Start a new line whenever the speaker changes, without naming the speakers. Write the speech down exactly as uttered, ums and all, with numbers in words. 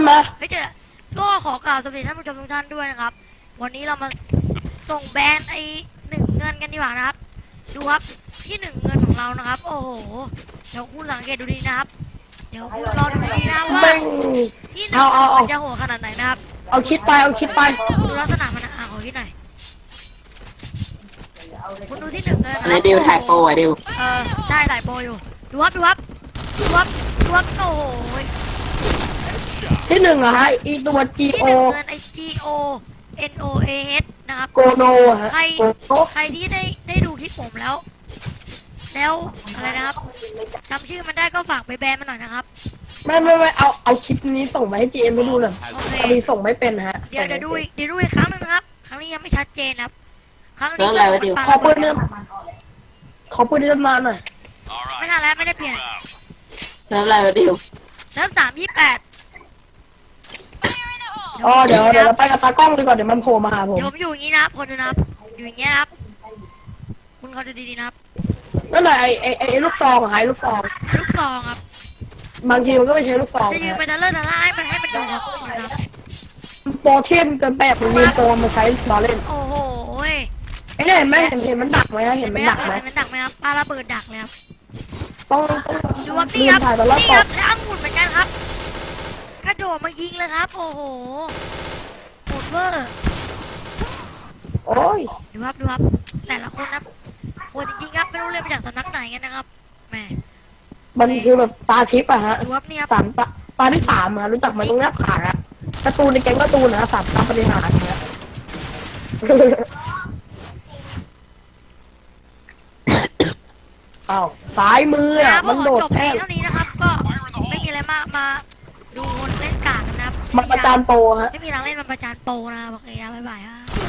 ไหม
เฮ้ยเจอก็ขอกล่าวสวัสดีท่านผู้ชมทุกท่านด้วยนะครับวันนี้เรามาส่งแบรนด์ไอ้หนึ่งเงินกันดีกว่านะครับดูครับที่หนึ่งเงินของเรานะครับโอ้โหเดี๋ยวคุณสังเกตดูดีนะครับเดี๋ยวคุณรอดูดีนะว่าที่หนึ่งมันจะโหดขนาดไหนนะครับ
เอาคิดไปเอาคิดไป
ดูลักษณะมันอ่ะขอคิดหน่อยคุณดูที่หนึ่งเงิน
อะไรดิวถ่ายโปรอ่ะดิว
เออใช่ถ่ายโปรอยู่ดูครับดูครับดูครับดูครับโอ้โห
ที่หนึ่งอะฮะอีตัว G
ที่
O
หนึ่งเงินไอ G O N O A S นะครับ
โกโนฮะ
ใครใครที่ได้ได้ดูที่ผมแล้ว แล้วอะไรนะครับจำชื่อมันได้ก็ฝากไปแบนมันหน่อยนะครับ
ไม่ไม่ไม่เอาเอาคลิปนี้ส่งไปให้ จี เอ็ม ไปดูหน่อยพอดีส่งไม่เป็นฮะ
เดี๋ยวเดี๋ยวดูอีกเดี๋ยวดูอีกครั้งนึงนะครับครั้งนี้ยังไม่ชัดเจนครับครั้งนี้
ขอปืนเริ่มขอปืนเริ่มมาหน่อย
ไม่ทันแล้วไม่ได้เปลี่ยน
เริ่มอะไรวะดิว
เริ่มสามยี่แปด
อ๋อเดี๋ยวเดี๋ยวเราไปกับตากล้องดีกว่าเดี๋ยวมันโผล่มาหาผม
เดี๋ยวผมอยู่อย่างนี้นะคนดูนะครับอยู่อย่างเงี้ยครับคุณเขาดูดีๆนะครับ
นั่นแหละไอไอไอลูกซองหายลูกซอง
ลูกซองครับ
บางทีมันก็ไม่ใช่ลูกซอง
จะยืนไปตะเลิศตะล่าให้มันให้มันดูครับ
โปรเทียนเกินแบบมันยืนโปรมาใช้ล้อเล่น
โอ้โห
ไอ้เนี่ยเห็นไหมเห็นเห็นมันดักไหมเห็นมันดักไหม
เห็นมันดักไหมครับปลาระเบิดดักเลยครับ
ต้อง
ดูว่านี่ครับนี่ครับแล้วอังุ่นเหมือนกันครับกระโดดมายิงเลยครับโอ้โหโหดเวอร์
โอ้ย
ดูครับดูครับแต่ละคนนะโหดจริงๆครับไม่รู้เลยมาจากสำนักไหนกันนะครับแหม
มันคือแบบตาทิพย์อะฮะ
ดูครับนี่ครับ
สามตาตาที่สามอะรู้จักมันตรงหน้าผากอะการ์ตูนในแก๊งการ์ตูนนะสามตาปฏิหารนะอ้าวสายมืออะมันโดดแท่
เท่านี้นะครับก็ไม่มีอะไรมากมาดูคนเล่นกากกันนะครับ
มันประจานโปรฮะ
ไม่มีทางเล่นมันประจานโปรนะครับโอเคครับบ๊ายบายครับ